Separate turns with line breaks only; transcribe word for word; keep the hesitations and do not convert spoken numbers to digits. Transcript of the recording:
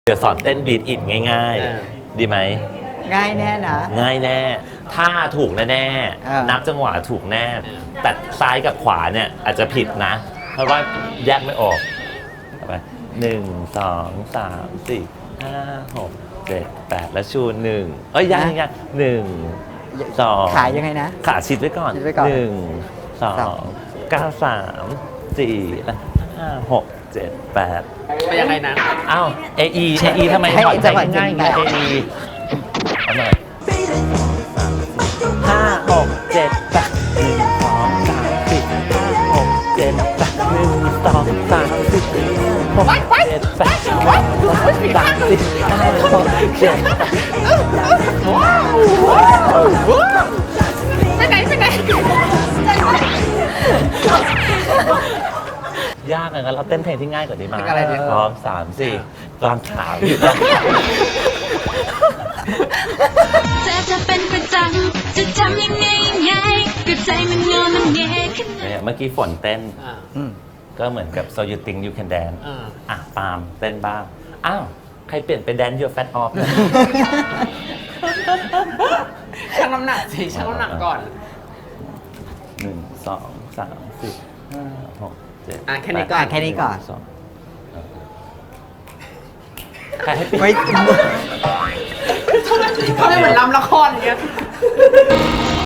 ดี๋ยวสอนเต้นบีทอินง่ายๆ ดีไหม
ง่ายแน่นะ
ง่ายแน่ท่าถูกแน่
เออ
ๆนับจังหวะถูกแน่ แต่ซ้ายกับขวาเนี่ยอาจจะผิดนะ เพราะว่าแยกไม่ออกเอาไปหนึ่งสองสามสี่ห้าหกเจ็ดแปดแล้วชูหนึ่งเอ้ยยังยังหนึ่งสอง
ขายยังไงนะ
ขาชิดไว้ก่อน
ชิดไว้ก่อน
หนึ่งสอ
สอง ง
เก้าสามสี่ห้าหกเจ็ดแปด
ไปยังไงนะ
อ้าว เอ อี เอ อี ทำไม
ให้
ถอดใจ
จังหวะ
ง่ายๆไง
จริ
เอง อีเอาหน่อยห้าหกเจ็ดแปดหนึ่งสองสามสี่ห้าหกเจ็ดแปดหนึ่งสองสามสี่หกเจ็ดแปดหนึ่งสองสามสี่ห้าหกเจ็ด
ไปไหนไปไหน
ยากอะงั้นเราเต้นเพลงที่ง่ายกว่านี้มา
เพลงอะไรดี
พร้อมสามสี่กลางขาวอยู่นะ
เธอจะเป็นประจำจะทำยังไงยังไงก็ใจมันงอนมันเงยขึ้น
เนี่ยเมื่อกี้ฝนเต้น
อ่า
อืม
ก็เหมือนกับ so you think you can dance
อ่า
อ่ะปาล์มเต้นบ้าง อ้าว ใครเปลี่ยนเป็น dance your fat off เนี่ย
ชั่งน้ำหนักสิชั่งน้ำหนักก่อน
หนึ่งสองสามสี่ห้าหกเจ็ด
อ่ะแค่นี้ก่อน
ปด
แค่นี้ก่อน
สงใครให้เปลี่ยน
ไม่
เขาไม่เหมือนลำละครอย่างเงี้ย